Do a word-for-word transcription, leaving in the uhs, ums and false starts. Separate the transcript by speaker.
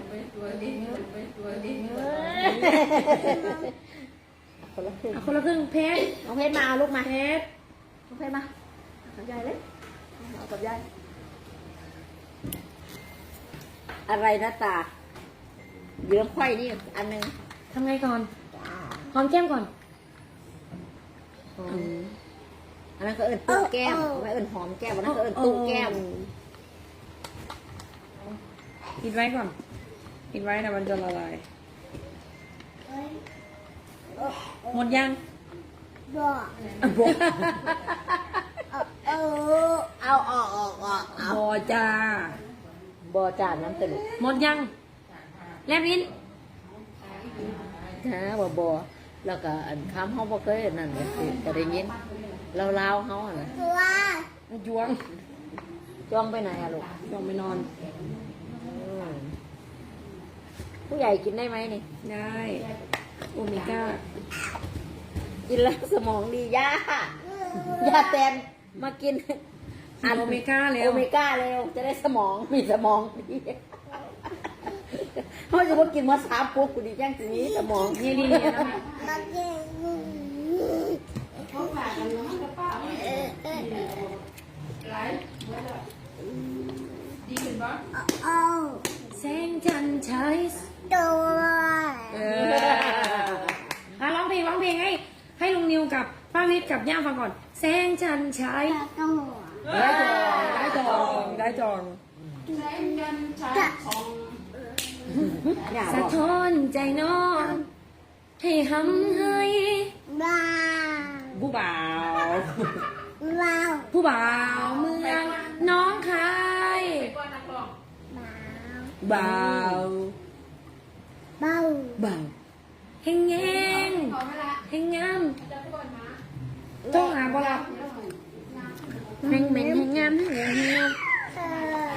Speaker 1: คนละครึ่ง
Speaker 2: เอาคนละครึ่งเพชร
Speaker 1: น้องเพชรมาเอาลูกมา
Speaker 2: เพชร
Speaker 1: น้องเพชรมากับยายเลยเอากับยายอะไรนะตาเหลืองไข่นี่อันหนึง
Speaker 2: ทำไงก่อนหอมแก้มก่อน
Speaker 1: อันนั้นก็เอิญตู้แก้มไม่เอิญหอมแก้มอันนั้นก็เอิญตู้แก้ม
Speaker 2: ปิดไว้ก่อนปิดไว้นะมันจะละลายหมดยัง
Speaker 1: เอาเอาออกออกออกเอา
Speaker 2: บอจ้า
Speaker 1: บอจานน้ำตะลุก
Speaker 2: หมดยังแลบลิ้น
Speaker 1: นะบอบอแล้วก็อันค้ำห้องบ่เคยอันนั่นเลยก็ได้ยินเราเล่าเขาอ่ะนะ
Speaker 2: ยวง
Speaker 1: จ้องไปไหนอะลูก
Speaker 2: ยองไปนอน
Speaker 1: อืมผู้ใหญ่กินได้ไหมนี่
Speaker 2: ได้โอเมก้า
Speaker 1: กินแล้วสมองดีย่าย่าแตนมากิน
Speaker 2: อันโอเมก้าเร็ว
Speaker 1: โอเมก้าเร็วจะได้สมองมีสมองดีเขาจะว่ากินมาสามปุ๊บกูดีแจ้งทีนี้สมอง
Speaker 2: นี่ดีเนี่ยนะแสงจันทร์ใช้เอออ่ะร้องเพลงร้องเพลงให้ให้ลุงนิวกับป้าวิทย์กับย่าฟังก่อน แสงจันทร์ใช้ได้จองได้จองได้จอง
Speaker 1: อย่า
Speaker 2: สะ
Speaker 1: บอก
Speaker 2: ท้อนใจน้องให้หำให้ผู้บ่าวผู้บ่าวเมืองน้องคายบ่าวบ่าวเฮงเฮงเฮงงามต้องหาบ่ล่ะ
Speaker 1: เฮงเหม็นเฮงงามเฮงเฮงงาม